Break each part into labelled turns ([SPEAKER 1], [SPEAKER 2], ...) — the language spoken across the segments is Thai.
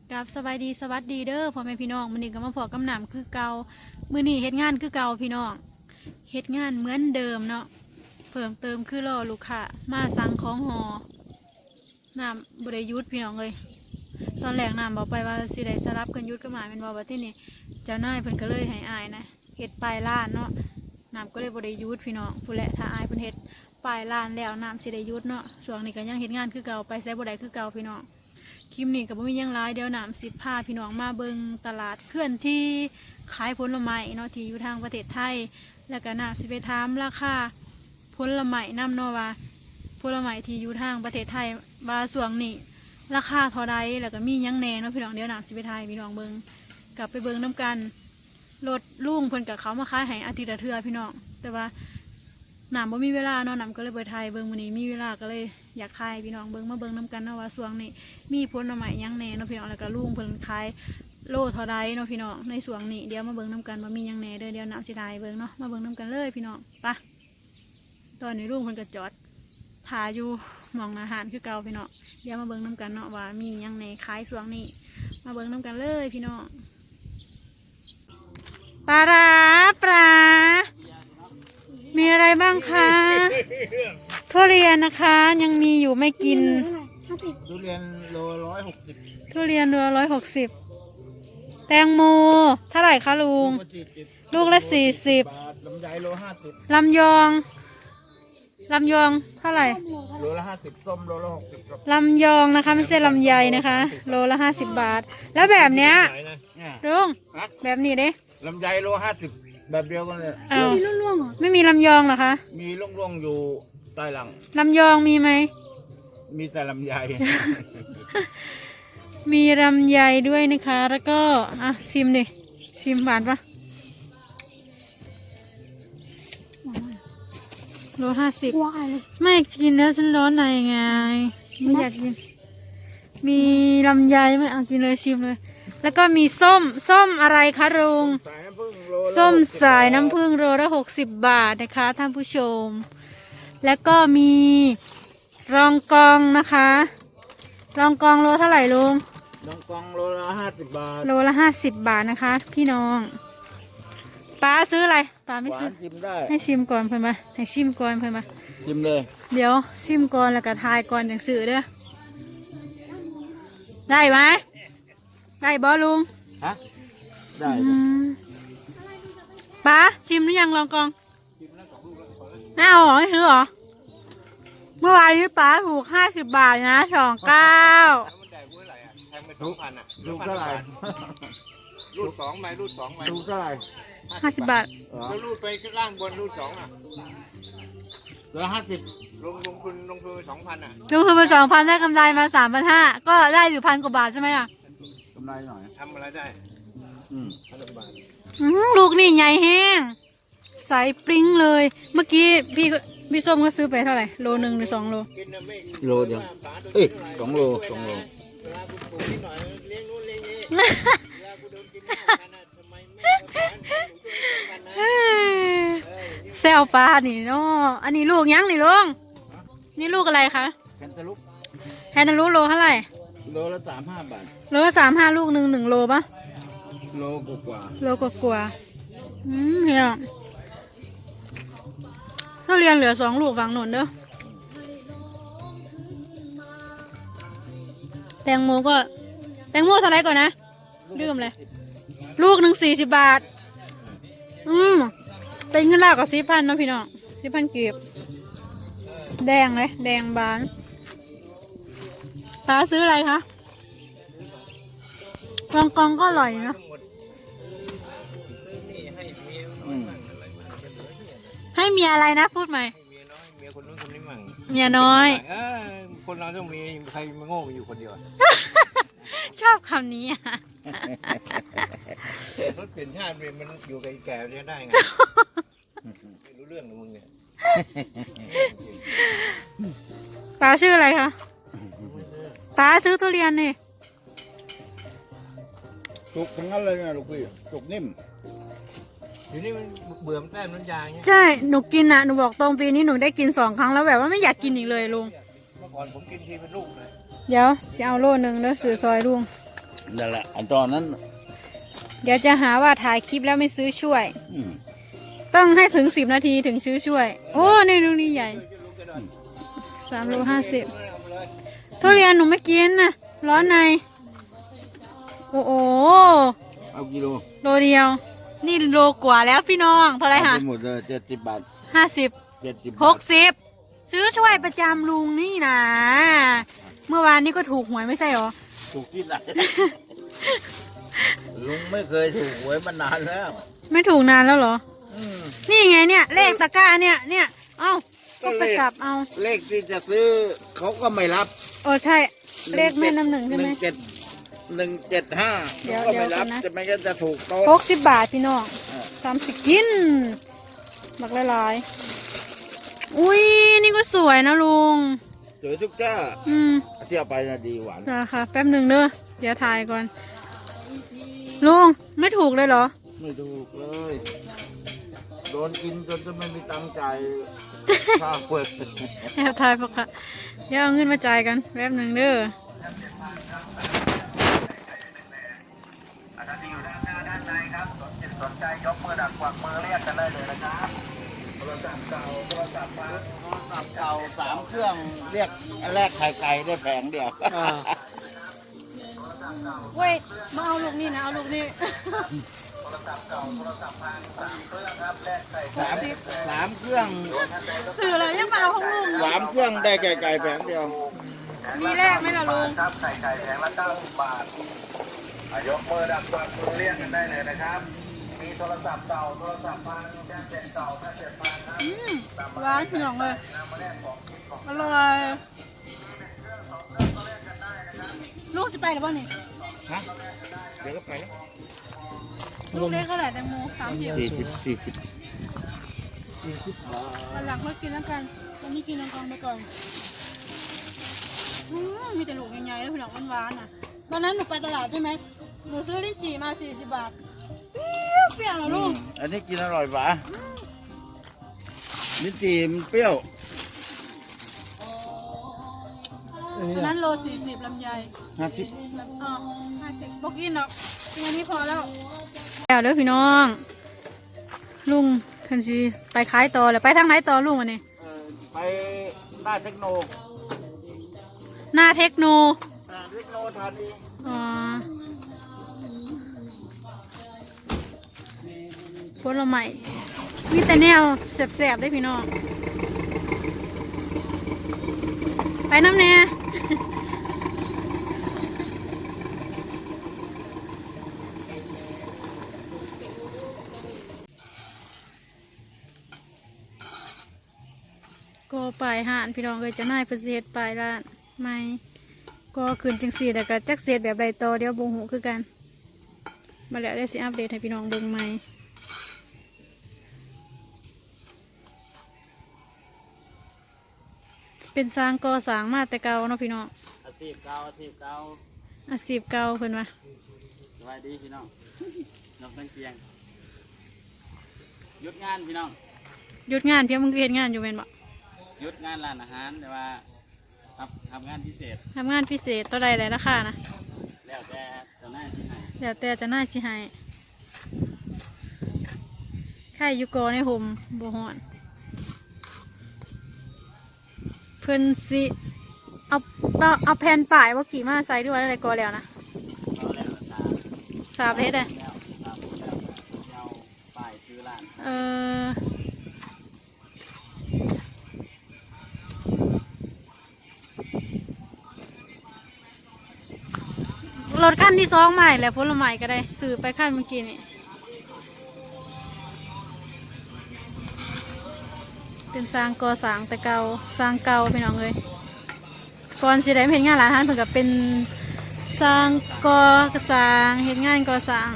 [SPEAKER 1] กับสบายดีสวัสดีเด้อพ่อแม่พี่น้องมื้อนี้ก็มาพอกำหนำคือเก่ามื้อนี้เฮ็ดงานคือเก่าพี่น้องเฮ็ดงานเหมือนเดิมเนาะเพิ่มเติมคือรอลูกค้ามาสั่งของหอน้ำบ่ได้หยุดพี่น้องเลยตอนแรกน้ำบอกไปว่าสิได้สลับกันหยุดก็หมายเป็นว่าที่นี่เจ้านายเพิ่นก็เลยให้อายนะเฮ็ดปลายล้านเนาะน้ำก็เลยบ่ได้หยุดพี่น้องผู้แหละถ้าอายเพิ่นเฮ็ดปลายล้านแล้วน้ำสิได้หยุดเนาะช่วงนี้ก็ยังเฮ็ดงานคือเก่าไปไสบ่ได้คือเก่าพี่น้องคลิปนี้ก็บ่มีหยังหลายเดี๋ยวน้ำสิพาพี่น้องมาเบิ่งตลาดเคลื่อนที่ขายผลไม้เนาะที่อยู่ทางประเทศไทยแล้วก็น้ำสิไปถามราคาผลไม้นำเนาะว่าผลไม้ที่อยู่ทางประเทศไทยว่าช่วงนี้ราคาเท่าใดแล้วก็มีหยังแหน่เนาะพี่น้องเดี๋ยวน้ำสิไปไทยพี่น้องเบิ่งกลับไปเบิ่งน้ำกันรถลุงเพิ่นกับเขามาขายให้อาทิตย์ละเทื่อพี่น้องแต่ว่าน้ำบ่มีเวลาเนาะน้ำก็เลยไปไทยเบิ่งมื้อนี้มีเวลาก็เลยอยากไทยพี่น้องเบิ่งมาเบิ่งน้ำกันเนาะว่าช่วงนี้มีผลไม้หยังแหน่เนาะพี่น้องแล้วก็ลุงเพิ่นขายโลเท่าใดเนาะพี่น้องในช่วงนี้เดี๋ยวมาเบิ่งน้ำกันว่ามีหยังแหน่เด้อเดี๋ยวน้ำสิไทยเบิ่งเนาะมาเบิ่งน้ำกันเลยพี่น้องไปตอนนี้ลุงเพิ่นก็จอดถ่ายอยู่หม้องอาหารคือเก่าพี่น้องเดี๋ยวมาเบิ่งน้ำกันเนาะว่ามีหยังแหน่ขายช่วงนี้มาเบิ่งน้ำกันเลยพี่น้องปลาร้าปลามีอะไรบ้างคะทุเรียนนะคะยังมีอยู่ไม่กิน
[SPEAKER 2] ทุเรียนโล160
[SPEAKER 1] ทุเรียนโล160แตงโมเท่าไหร่คะลุงลูกละ40
[SPEAKER 2] บาทลำไยโล50
[SPEAKER 1] ลำยองเท่าไหร่
[SPEAKER 2] โลละ50ส้มโลละ60ครับ
[SPEAKER 1] ลำยองนะคะไม่ใช่ลำไยนะคะโลละ50 บาทแล้วแบบเนี้ยลุงแบบนี้เด้
[SPEAKER 2] ลำไยโล50แบบเดียวกันเลย
[SPEAKER 1] ไม่มีร่วงๆหรอไม่มีลำยองเหรอคะ
[SPEAKER 2] มีร่วงๆอยู่ใต้หลัง
[SPEAKER 1] ลำยองมีไหม
[SPEAKER 2] มีแต่ลำไย
[SPEAKER 1] มีลำไยด้วยนะคะแล้วก็อ่ะชิมดิชิมหวานปะโล50ไม่กินแล้วฉันร้อนในไงไม่อยากกินมีลำไยไหมเอากินเลยชิมเลยแล้วก็มีส้มอะไรคะลุงส้มสายน้ำผึ้งโลละ60 บาทนะคะท่านผู้ชมแล้วก็มีรองกองนะคะรองกองโลเท่าไหร่ลุง
[SPEAKER 2] รองกองโลละ50 บาท
[SPEAKER 1] โลละ50 บาทนะคะพี่น้องป้าซื้ออะไรป้าไม่ซื้อ
[SPEAKER 2] ชิมได้
[SPEAKER 1] ให้ชิมก่อนเพื่อนมาให้ชิมก่อนเพื่อนมา
[SPEAKER 2] ชิมเลย
[SPEAKER 1] เดี๋ยวชิมก่อนแล้วก็ทายก่อนอย่างสื่อเด้อได้ไหมได้บอลุง
[SPEAKER 2] ฮะได้
[SPEAKER 1] ป้าชิมหรือยังลองกองไม่เอาหรอไม่ซื้อหรอเมื่อวานนี้ป้าถูก50 บาทนะ29
[SPEAKER 2] ลูกเท่าไหร่
[SPEAKER 3] รูด2ใบรูด2ใบ
[SPEAKER 2] ลูกเท่าไหร่
[SPEAKER 1] 50 บาท
[SPEAKER 3] แล้วรูดไปล่างบนรูด2อ่ะ
[SPEAKER 2] 150
[SPEAKER 3] ลงทุน2,000อ่ะ
[SPEAKER 1] ลงทุนมา2,000ได้กำไรมา3,500ก็ได้อยู่1,000 กว่าบาทใช่ไหมล่ะ
[SPEAKER 2] กำไรหน่อย
[SPEAKER 3] ทำอะไรได้
[SPEAKER 2] 1,000 บาท
[SPEAKER 1] ลูกนี่ใหญ่แห้งใสปริ้งเลยเมื่อกี้พี่ส้มก็ซื้อไปเท่าไหร่โล 1 หรือ 2 โล
[SPEAKER 2] โลเดียวเอ้ย2 โล
[SPEAKER 1] แซวปลานี่เนาะอันนี้ลูกยังนี่ลุงนี่ลูกอะไรคะ
[SPEAKER 2] แคนตาลูป
[SPEAKER 1] โลเท่าไหร่
[SPEAKER 2] โลละ35 บาท
[SPEAKER 1] โลละ35ลูก1โลปะ
[SPEAKER 2] โลกว่า
[SPEAKER 1] เฮียถ้าเรียนเหลือ2 ลูกฝังหนุนเด้อแตงโมเท่าไรก่อนนะลืมเลยลูก40 บาทเป็นเงินลาวกับ4,000เนาะพี่น้อง4,000 กีบแดงเลยแดงบานป้าซื้ออะไรคะกองก็อร่อยนะให้เมียอะไรนะพูดใหม่
[SPEAKER 3] เมียคนนู้นคนนี้มั่ง
[SPEAKER 1] เมียน้อย
[SPEAKER 3] คนเราต้องมีใครมาโง่อยู่คนเดียว
[SPEAKER 1] ชอบคำนี้อ่ะ
[SPEAKER 3] รถเปลี่ยนชาติมันอยู่กับแก่เรียนได้ไงไม่รู้เรื่องมึงเนี่ย
[SPEAKER 1] ป้าชื่ออะไรคะป้าซื้อทุเรียนนี่
[SPEAKER 2] สุกทั้งนั้นเลยนะลูกพี่สุกนิ่ม
[SPEAKER 3] อยู่นี่มันเบื่อมันแต้มน้ำยาเงี้ย
[SPEAKER 1] ใช่หนูกินอ่ะหนูบอกตรงปีนี้หนูได้กิน2 ครั้งแล้วแบบว่าไม่อยากกินอีกเลยลุง
[SPEAKER 3] เมื่อก่อนผมกินทีเป็นลูกเลย
[SPEAKER 1] เดี๋ยวจะเอาโล 1แล้วซื้อซอยลุง
[SPEAKER 2] นั่นแหละอันตอนนั้น
[SPEAKER 1] เดี๋ยวจะหาว่าถ่ายคลิปแล้วไม่ซื้อช่วย
[SPEAKER 2] อืม
[SPEAKER 1] ต้องให้ถึง10 นาทีถึงซื้อช่วย โอ้นี่ลูกนี่ใหญ่3 โล 50ทุเรียนหนูไม่กินนะร้อนในโอ้โห
[SPEAKER 2] เอากิโล
[SPEAKER 1] โลเดียว นี่โลกว่าแล้วพี่น้องเท่าไหร
[SPEAKER 2] เอา
[SPEAKER 1] คะ
[SPEAKER 2] ไปหมดเลย70 บาท
[SPEAKER 1] 50
[SPEAKER 2] 70
[SPEAKER 1] 60ซื้อช่วยประจำลุงนี่นะเมื่อวานนี้ก็ถูกหวยไม่ใช่หรอ
[SPEAKER 2] ถูกที่ไหน ลุงไม่เคยถูกหวยมานานแล้ว
[SPEAKER 1] ไม่ถูกนานแล้วเหรอ
[SPEAKER 2] อืม
[SPEAKER 1] นี่ไงเนี่ยเลขตะกร้าเนี่ยเอ้าก็ไปกลับเอา
[SPEAKER 2] เลขที่จะซื้อเขาก็ไม่รับ
[SPEAKER 1] โอ้ใช่เลขแม่น้ำหนึ่งใช่ไหม
[SPEAKER 2] 175
[SPEAKER 1] เดี๋ยว
[SPEAKER 2] เขาก็ไม่รับ
[SPEAKER 1] เดี๋ยวก่อนนะ
[SPEAKER 2] จะไม่งั้นจะถูกโต๊ะ
[SPEAKER 1] 60 บาทพี่น้อง
[SPEAKER 2] อ่า
[SPEAKER 1] 30กินบักหลายๆอุ้ยนี่ก็สวยนะลุง
[SPEAKER 2] สวยทุกเจ้า
[SPEAKER 1] อืม
[SPEAKER 2] เที่ยวไปนะดีหวาน
[SPEAKER 1] จ้าค่ะแป๊บหนึ่งเด้อเดี๋ยวถ่ายก่อน ลุงไม่ถูกเลยเหรอ
[SPEAKER 2] ไม่ถูกเลย โดนกินจนจะไม่มีตังค์จ่าย ค่าเปิด
[SPEAKER 1] แอบถ่ายปะค่ะเดี๋ยวเอาเงินมาจ่ายกันแป๊บหนึ่งเด้อ
[SPEAKER 3] สนใจยกมือดักกวักมือเรียกกันได้เลยนะครับโทรศัพท์เก่าโทรศัพท์มา
[SPEAKER 2] เก่า3 เครื่องเรียกอันแรกไข่ไก่ได้แผงเดียว
[SPEAKER 1] เว้ยมาเอาลูกนี่นะเอาลูกนี่
[SPEAKER 2] สามเครื่อง
[SPEAKER 1] สื่ออะไรยังมาเอาของลุง
[SPEAKER 2] 3 เครื่องได้ไก่ไก่แผงเดียว
[SPEAKER 1] มีแรกไหมล่ะลุง
[SPEAKER 3] ครับไก่แผงละ90 บาทยกมือดักกวักมือเรียกกันได้เลยนะครับ มีโทรศัพท์เก่าโทรศัพท์พังแจ้งเสร็จเก่าแจ้งเสร็จพังครับ
[SPEAKER 1] หวานเหนียวเลยอร่อยลูกจะไปหรือเปล่านี่
[SPEAKER 2] ฮะ เดี๋ยวก็ไปแล้ว
[SPEAKER 1] ลูกเล็กเท่าไหร่แตงโม30
[SPEAKER 2] 40
[SPEAKER 1] วันหลังค่อยกินแล้วกันวันนี้กินน้ำกองไปก่อนมีแต่ลูกใหญ่ๆแล้วพี่น้องหวานๆน่ะตอนนั้นหนูไปตลาดใช่ไหมหนูซื้อลิ้นจี่มา40 บาทเปรี้ยวเหรอลูก
[SPEAKER 2] อันนี้กินอร่อยปะลิ้นจี่มันเปรี้ยว
[SPEAKER 1] อันนั้นโล40ลำไย
[SPEAKER 2] 50
[SPEAKER 1] อ๋อ50บอกกินหรอกกินอันนี้พอแล้วแล้วเด้อพี่น้องลุงคันซีไปขายต่อเลยไปทางไหนต่อลุงวันนี้
[SPEAKER 2] ไปหน้าเทคโน
[SPEAKER 1] หน้าเทคโน
[SPEAKER 2] เทคโนทานี
[SPEAKER 1] อ๋อผลไม้มีแต่แนวแสบๆได้พี่น้องไปน้ำแน่ก็ปลายห่านพี่น้องเลยจะน่ายประเสริฐปลายร้านไม่ก็คืนจังสี่แต่ก็จักเสียแบบไรต่อเดี๋ยวบงหูคือกันมาแล้วได้สิอัปเดตให้พี่น้องเบิ่งใหม่เป็นสร้างก่อสร้างมาแต่เก่าเนาะพี่น้อง
[SPEAKER 3] อาชีพเก่าอาชีพเก่า
[SPEAKER 1] อาชีพเก่าเพิ่นว่า
[SPEAKER 3] สวัสดีพี่น้องนกตั้งเกียงหยุดงานพี่น้อง
[SPEAKER 1] หยุดงานเพียงมึงก็เฮ็ดงานอยู่แม่นบ่
[SPEAKER 3] หยุดงานร้านอาหารแต่ว่าทำงานพิเศษ
[SPEAKER 1] ทำงานพิเศษตัวใดราคานะ
[SPEAKER 3] แล้วแต่เจะหน้าที่ไหน
[SPEAKER 1] แล้วแต่จะน่าสิให้ใครอยู่กอในห่มบ่ฮ้อนเพิ่นสิเอาแผ่นป้ายว่ากี่มาใส่ด้วยอะไรกอแล้วนะ
[SPEAKER 3] เราแล้วตา
[SPEAKER 1] ทราบเฮ็ดได้
[SPEAKER 3] แล้วตามแล้วเอาป้ายซื้อร้าน
[SPEAKER 1] รถขั้นที่2ใหม่แหละผลไม้ก็ได้ซื้อไปขั้นเมื่อกี้นี่เป็นสร้างก่อสร้างแต่เก่าสร้างเก่าพี่น้องเลยก่อนสิได้มาเฮ็ดงานร้านอาหารเพิ่นก็เป็นสร้างก่อสร้างเฮ็ดงานก่อสร้าง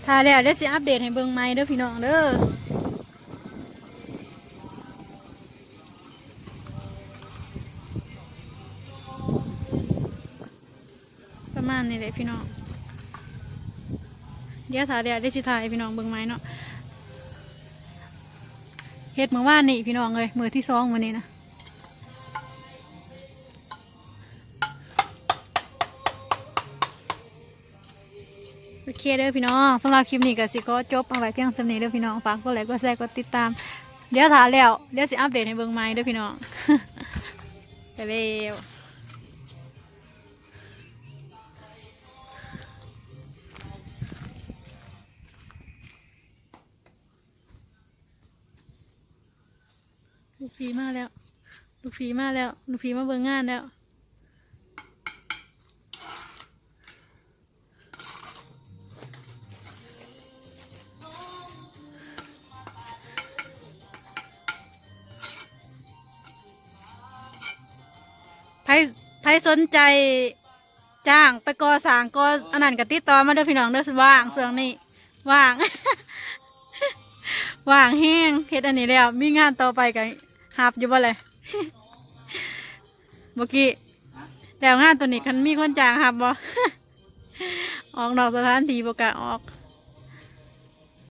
[SPEAKER 1] ถ้าแล้วเดี๋ยวสิอัปเดตให้เบิ่งใหม่เด้อพี่น้องเด้อประมาณนี้แหละพี่น้องเดี๋ยวถ้าแล้วเดี๋ยวสิถ่ายให้พี่น้องเบิ่งใหม่เนาะเฮ็ดมื้อวานนี่พี่น้องเลยมื้อที่2มื้อนี้นะโอเคเด้อพี่น้องสำหรับคลิปนี้ก็สิก็จบเอาไว้เพียงเท่านี้เด้อพี่น้องฝากกดไลค์กดแชร์กดติดตามเดี๋ยวถ่ายแล้วเดี๋ยวสิอัปเดตให้เบิ่งใหม่เด้อพี่น้อง ไปเร็วลูกพีมาแล้วลูกพีมาแล้วลูกพีมาเบิ่งงานแล้วไผสนใจจ้างไปก่อสร้างก่ออันนั้นก็ติดต่อมาเด้อพี่น้องเด้อว่างส่วนนี้ว่าง ว่างแห้งเฮ็ดอันนี้แล้วมีงานต่อไปกันหับอยู่บ่เลย เมื่อกี้แล้วงานตัวนี้คันมีคนจ้างหับบ่ ออกนอกสถานที่บ่กล้าออก